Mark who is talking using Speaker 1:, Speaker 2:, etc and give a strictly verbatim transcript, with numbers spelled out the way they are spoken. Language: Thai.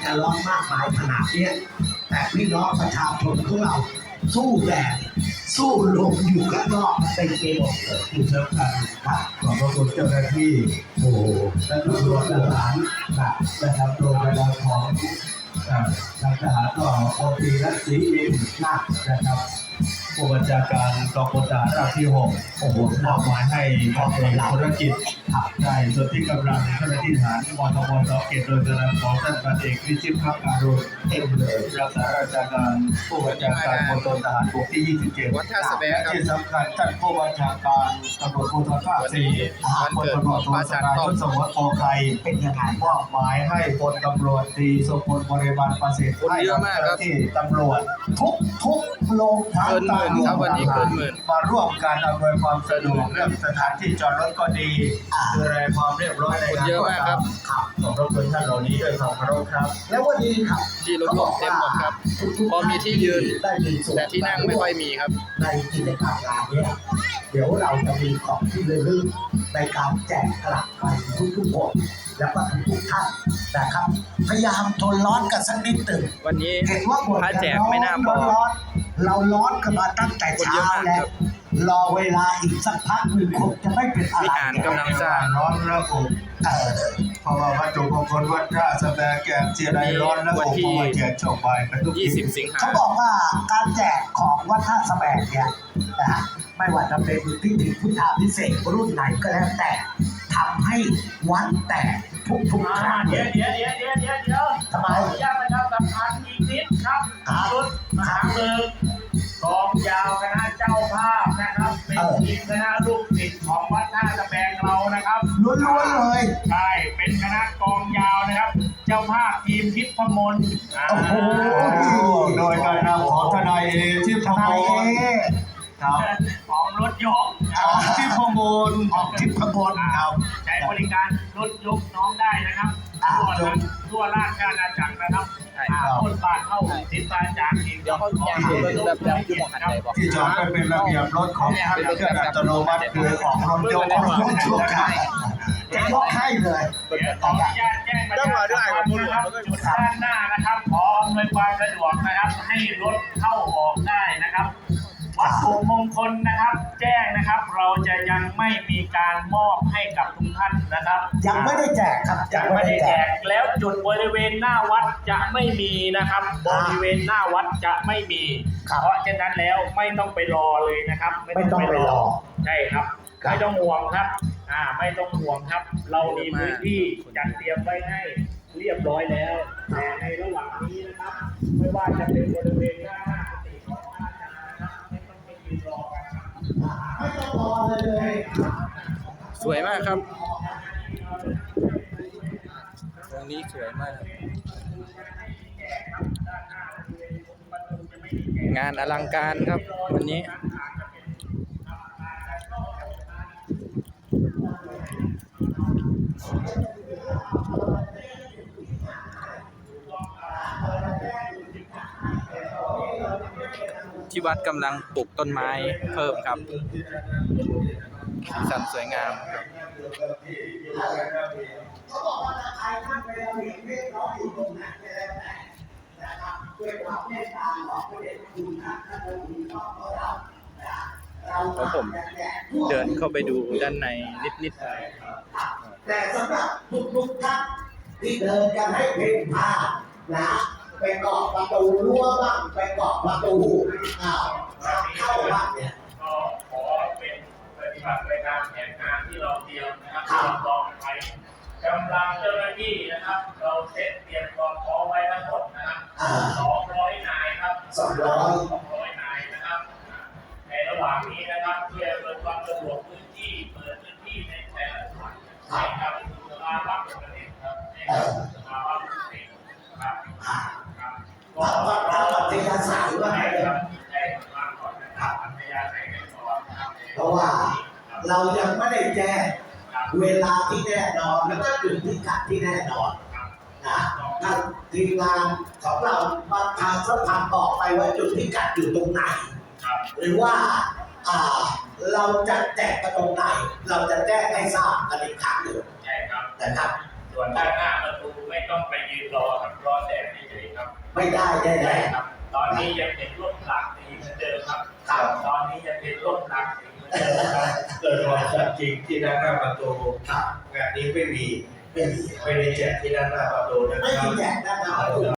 Speaker 1: จะร้อนมากมายขนาดนี้แต่พี่น้องประชาชนของเราสู้แดดสู้ลมอยู่ข้างนอกเต็มไปหมดเลยที่สำคัญครับขอบพระคุณเจ้าหน้าที่โอ้และตำรวจทหารนะครับโดยกระดับของทางทหารก็พลตรีรัตน์ศรีอินทร์นะครับผู้บัญชาการกองพลทหารราบที่หกโอ้โหมอบหมายให้กองเอกธุรกิจได้ส่วนที่กำลังเจ้าหน้าที่ทหารมทบสเกตโดยกระดับของท่านพันเอกวิชิตภักดิ์การุณเอ็มเลยรักษาราชการผู้บัญชาการมณฑลทหารบกที่ยี่สิบเจ็ด
Speaker 2: วัดท่าสะแบงครับ
Speaker 1: ที่สำคัญท่านผู้บัญชาการตำรวจภูธรภาคสี่
Speaker 2: วันเกิดของพระอาจารย์ต้อม
Speaker 1: สมรโภไทยเป็นยังไงมอบหมายให้พลตำรวจตรีสมพลบริบาลประสิทธิ์ให้กับเจ้าหน้าที่ตำรวจทุกทุกโรงพัก
Speaker 2: เกินหมื่นครับวันนี้เกินหมื่น
Speaker 1: มาร่วมการอำนวยความสะดวกเรื่องสถานที่จอดรถก็ดีดูแลความเรียบร้อยในงาน
Speaker 2: เยอะมากครับ
Speaker 1: ครับขอบพระคุณท่านเหล่านี้ด้วยความเคารพครับ แล้ววันนี้ครับ
Speaker 2: ที่รถร่วมเต็มหมดครับพอมีที่ยืนแต่ที่นั่งไม่ค่อยมีครับ
Speaker 1: ในกิจกรรมงานนี้เดี๋ยวเราจะมีของที่ระลึกในการแจกกลับไปทุกๆคนและก็ทุกๆท่านนะครับพยายามทนร้อนกันสักนิดหนึ่ง
Speaker 2: วันนี้
Speaker 1: เห็นว่าบท
Speaker 2: พระแจกไม่น่าพอ
Speaker 1: ร้อนเราร้อนกันมาตั้งแต่เช้าแล้วรอเวลาอีกสักพักหนึ่งคงจะไม่เป็นอะไร
Speaker 2: วิหารกำลังสร้าง
Speaker 1: ร้อนแล้วผมเออเพราะว่าวัตถุมงคลวัดท่าสะแบงแกงเจียไดร้อนแล้วผมก็มาแจกช่วงบ่ายกันทุกที
Speaker 2: ยี่สิบสิงหา
Speaker 1: เขาบอกว่าการแจกของวัดท่าสะแบงเนี่ยนะฮะไม่ว่าจะเป็นพิธีพุทธาภิเษกรุ่นไหนก็แล้วแต่ทำให้วัดแตกทุกทุกครั้ง
Speaker 3: เดี๋ยวเดี๋ยวเดี๋ยวเดี๋ยวเดี๋ยวเดี๋ยว
Speaker 1: ทำไม
Speaker 3: ขออนุญาตประชาสัมพันธ์อีกนิดครับชุดมหาเมืองกองยาวคณะเจ้าภาพนะครับเป็นทีมคณะลูกศิษย์ของวัดท่าสะแบงเรานะครับ
Speaker 1: ล้วนๆเลย
Speaker 3: ใช่เป็นคณะกองยาวนะครับ เจ้าภาพทีมทิพมนต์อ่า
Speaker 1: โอ้โหโดยการนำของทนายเอที่พมลครับ
Speaker 3: ของรถยก
Speaker 1: ที่พมลของทิพมลครับ
Speaker 3: ใช้บริการรถยกน้องได้นะครับทั่วทั้งทั่วราชอาณาจักรนะครับต้นบาทเข้าติดตาจากทีม
Speaker 2: เดี๋ยวเขาแจกดูแบบแบบอยู่หมองหันไหนบอก
Speaker 1: ที่จอดไปเป็นระเบียบรถของท่านเครื่องอัตโนมัติคือของรถยกของรถยกได้จะยกให้เลย
Speaker 3: เดี๋ยวขออนุญาตแจ้งประชาสัมพันธ์นะครับจุดด้านหน้านะครับขออำนวยความสะดวกนะครับ ให้รถเข้าออกได้นะครับ วัตถุมงคลนะครับ แจ้งนะครับ เราจะยังไม่มีการมอบให้กับทุกท่านนะครับ
Speaker 1: ยังไม่ได้แจกครับ
Speaker 3: ยังไม่ได้แจกแล้วจุดบริเวณหน้าวัดจะไม่มีนะครับ บริเวณหน้าวัดจะไม่มี เพราะฉะนั้นแล้วไม่ต้องไปรอเลยนะครับ
Speaker 1: ไม่ต้องไปรอ
Speaker 3: ใช่ครับไม่ต้องห่วงครับอ่าไม่ต้องห่วงครับ เรามีพื้นที่จัดเตรียมไว้ให้เรียบร้อยแล้วแต่ในระหว่างนี้นะครับ ไม่ว่าจะเป็นบริเวณหน้ากุฏิของพระอาจารย์นะครับไม่ต้องไปยืนรอกันครับ
Speaker 1: ไม่ต้องรอเลยเลย
Speaker 2: สวยมากครับตรงนี้สวยมาก งานอลังการครับวันนี้ที่วัดกำลังปลูกต้นไม้เพิ่มครับสีสันสวยงามครับแล้วผมเดินเข้าไปดูด้านในนิดๆ
Speaker 1: แต่สำหรับทุกๆท่านที่เดินกันให้เพ่นพ่านนะไปเกาะประตูรั้วบ้างไปเกาะประตูอ้าวเข้าบ้านเนี่ย
Speaker 3: ก็ขอเป็นปฏิบัติในการแผนงานที่เราเตรียมนะครับที่เราลองไว้กำลังเจ้าหน้าที่นะครับ เราเซตเตรียมความพร้อมไว้ทั้งหมดนะครับสองร้อยนายครับ
Speaker 1: สองร้อย
Speaker 3: สองร้อยนายนะครับในระหว่างนี้นะครับเพื่อเปิดความสะดวกพื้นที่เปิดพื้นที่ในแต่ละจังหวัดให้กับสภาวะปกติครับให้กับสภาวะปกติครับครับก็เราอัธยาศัยว่าไงครับใช่ครับก่อนนะครับอัธยาศัยกันก่อนนะครับ
Speaker 1: เพราะว่าเรายังไม่ได้แจ้งเวลาที่แน่นอนแล้วก็จุดพิกัดที่แน่นอนนะทางทีมงานของเราประชาสัมพันธ์บอกไปว่าจุดพิกัดอยู่ตรงไหนหรือว่าอ่าเราจะแจกกันตรงไหนเราจะแจ้งให้ทราบกันอีกครั้งหนึ่ง
Speaker 3: ใช่ครับ
Speaker 1: นะครับ
Speaker 3: ส่วนด้านหน้าประตูไม่ต้องไปยืนรอครับรอแต่
Speaker 1: ไม่ได้ได้
Speaker 3: ใช่
Speaker 1: แน่
Speaker 3: ครับ ตอนนี้ยังเป็นร่มหลักสีเหมือนเดิมครับครับตอนนี้ยังเป็นร่มหลักสีเหมือนเดิมครับ
Speaker 4: เกิดความสัตย์จริงที่ด้านหน้าประตู
Speaker 1: ครับ
Speaker 4: งานนี้ไม่มี
Speaker 1: ไม่มี
Speaker 4: ไม่ได้แจกที่ด้านหน้าประตูนะ
Speaker 1: ไม่
Speaker 4: ครั
Speaker 1: มี
Speaker 4: บ
Speaker 1: แจกด้านหน้าประตู